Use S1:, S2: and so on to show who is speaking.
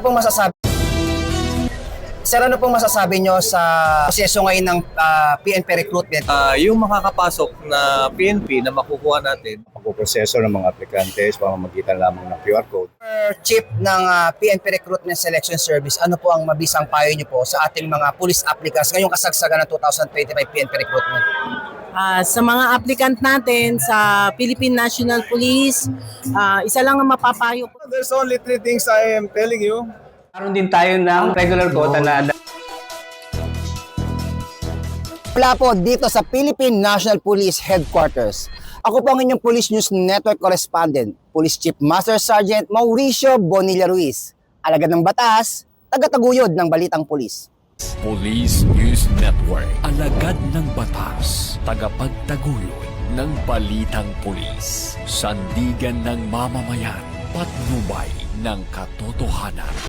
S1: pong masasabi? Sir, ano pong masasabi nyo sa proseso ngayon ng PNP recruitment?
S2: Yung makakapasok na PNP na makukuha natin,
S3: Pagpuproseso ng mga aplikantes, pamamagitan lamang ng QR code.
S1: Chief ng PNP Recruitment Selection Service, ano po ang mabisang payo nyo po sa ating mga police applicants ngayong kasagsagan ng 2025 PNP recruitment?
S4: Sa mga applicant natin sa Philippine National Police, isa lang ang mapapayo ko.
S3: There's only 3 things I am telling you.
S5: Karoon din tayo ng regular quota na
S1: Wala po dito sa Philippine National Police Headquarters. Ako po ang inyong Police News Network Correspondent, Police Chief Master Sergeant Mauricio Bonilla Ruiz, alagad ng batas, tagataguyod ng Balitang Pulis.
S6: Police News Network, alagad ng batas, tagapagtaguyod ng Balitang Pulis, sandigan ng mamamayan, patnubay ng katotohanan.